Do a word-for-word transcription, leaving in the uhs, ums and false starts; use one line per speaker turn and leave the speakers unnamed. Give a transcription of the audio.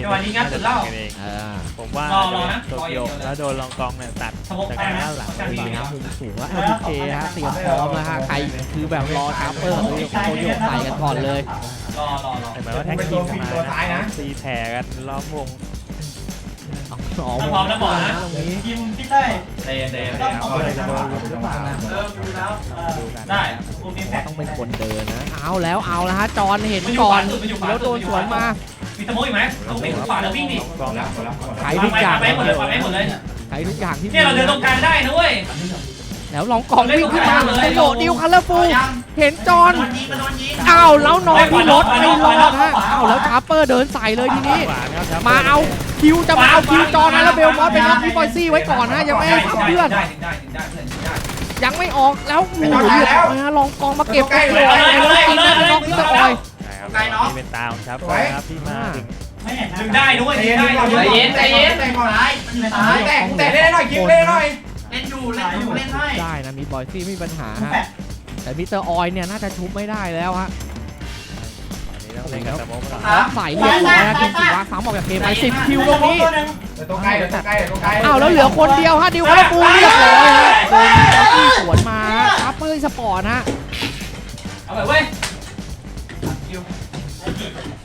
จังหวะนี้งัดสุดเล่า
ผมว่าโตเกียวแล้วโดนลองกองเนี่ยตัดจากการด้านหลัง
ดีครับมุมสูงว่า แอล พี เค ฮะเตรียมพร้อมแล้วฮะใครคือแบบรอชาร์เปอร์โคโยใส่กันก่อนเลย
รอรอรอ
แต่หมายว่าแท็กทีมมานะตีแผ่กันล้อมวง
สอง
พร้อมแล้วบอกนะทีมพี่เต้เต้เต้ต้องเอาเลยนะเออดูแล้วได้
ต้องเป็นคนเดินนะเอาแล้วเอาแล้วฮะจอนเห็นก่อนแล้วโดนสวนมา
มีตะโมอีกไหมต้องเป็นขวาแล้ววิ่งดิ
ใช้ทุกอย่าง
ไปหมดเลยไปหมดเลย
ใช้ทุกอย่างที่
เนี่ยเราเดินตรงกลางได้นะเว้ย
แล้วลองกองวิ่งขึ้นมาเลยโดดดิวคัลเลอร์ฟูเห็นจอนอ้าวแล้วนอนที่รถไม่รอดฮะอ้าวแล้วชาร์เปอร์เดินใส่เลยทีนี้มาเอาคิวจะมาเอาคิวจอนนะแล้วเบลมอสไปรับพี่บอยซี่ไว้ก่อนนะยังไม่ให้เพื่อนยังไม่ออกแล้วโอ้โหเรียบร้อยฮะลองกองมาเก็บกันเลยแล้วกินนะเป็นน้องพิซซ่าออย
นี่เป็นตาของชับครับที่มาถึง
ดึงได้ด้วย
ใจเย็นใจเย็นใจก่อนร้ายตายแต่แต่เล่นหน่อยคิวเล่นหน่อย
เล่นอยู่เล่นอยู่เล่นได้
ได้นะมีบอยซี่ไม่มีปัญหาฮะแต่มิสเตอร์ออยเนี่ยน่าจะชุบไม่ได้แล้วฮะใส่เรียบร้อยนะทีมสีว้าซ้ำออกจากเกมไปสิบคิวตรงนี้
ตัวใกล้ตัวใกล้ตัวใกล้
อ้าวแล้วเหลือคนเดียวฮะดิวคาร์ปูเรียบร้อยฮะโดนที่สวนมาอัพเปอร์สปอร์ตฮะ
เอาไปเว้ย